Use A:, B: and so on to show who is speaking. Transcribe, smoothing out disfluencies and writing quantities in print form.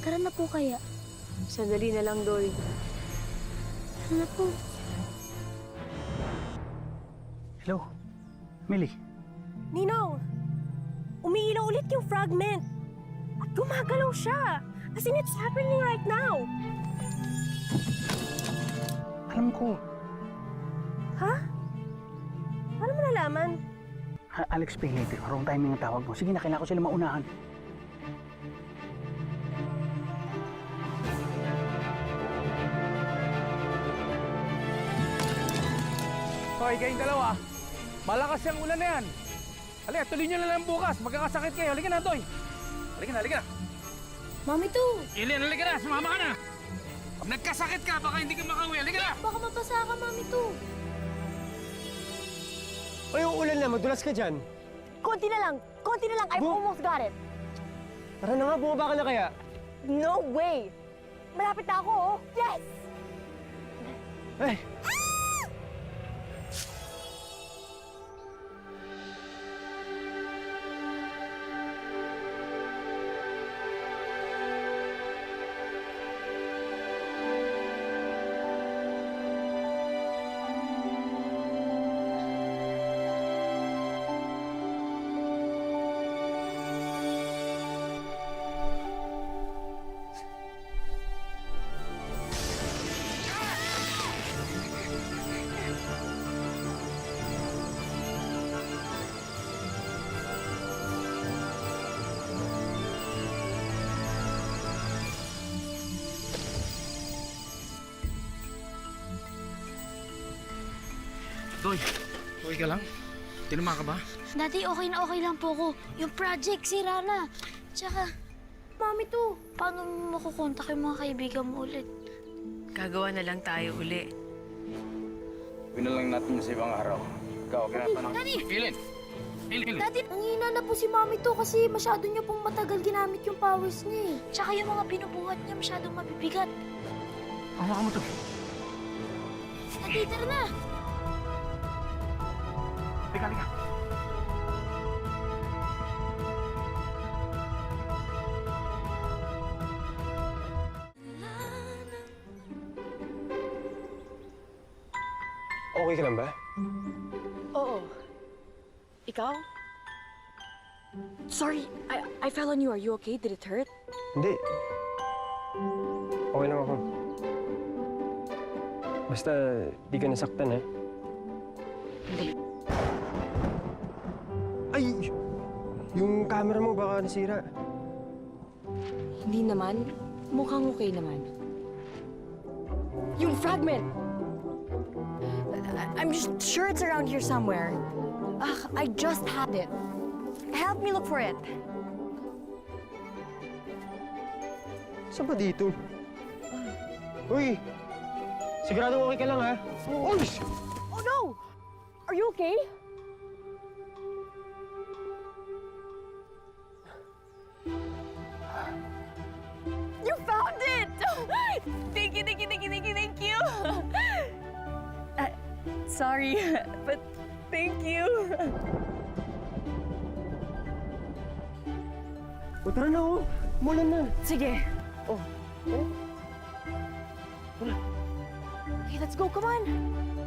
A: Tara na po kaya.
B: Sandali na lang, Doy.
A: Tara na po.
C: Hello? Millie?
D: Ninong! Umiilaw ulit yung fragment. At gumagalaw siya. As in, it's happening right now.
C: Alam ko.
D: Ha? Paano mo nalaman?
C: I'll explain later. Wrong timing ang tawag mo. Sige na, kailangan ko sila maunahan.
E: Hoy, kayong dalawa. Malakas yung ulan na yan. Halika, tuloy nyo na lang bukas. Magkakasakit kayo. Halika na, Toy. Halika na, halika na.
A: Mami to!
E: Ilian, halika na. Sumama ka na. Pag nagkasakit ka, baka hindi ka makauwi. Halika na.
A: Baka mabasa ka, Mami to.
F: Ay, yung ulan na, madulas ka dyan.
D: Konti na lang. Konti na lang. I've almost got it.
F: Tara na nga, bumaba ka na kaya.
D: No way. Malapit na ako, oh. Yes!
F: Ay!
E: Toy, okay ka lang? Tinuma ka ba?
A: Daddy, okay na okay lang po ko. Yung project, sira na. Tsaka, Mami to, paano mo makukontak yung mga kaibigan mo ulit?
B: Gagawa na lang tayo uli.
E: Gawin na lang natin sa ibang araw. Ikaw, okay na pa na.
A: Daddy!
E: Ilin! Ilin!
A: Daddy, nangihina na po si Mami to kasi masyado niya pong matagal ginamit yung powers niya eh. Tsaka yung mga binubuhat niya masyadong mabibigat.
E: Hawakan mo to.
A: Daddy, tara na!
E: Halika, halika.
F: Okay ka lang ba?
D: Oo. Ikaw? Sorry, I fell on you. Are you okay? Did it hurt?
F: Hindi. Okay lang ako. Basta, di ka nasaktan, ha?
D: Hindi.
F: Ay! Yung camera mo baka nasira.
D: Hindi naman. Mukhang okay naman. Yung fragment! I'm just sure it's around here somewhere. I just had it. Help me look for it.
F: Saan ba dito? Uy! Sigurado okay ka lang, ha? Uy!
D: Oh no! Are you okay? You found it! Thank you, thank you, thank you, thank you, thank you! Sorry, but thank you.
F: O tara na, oh! Mulan na!
D: Sige. Oh. Okay, let's go. Come on.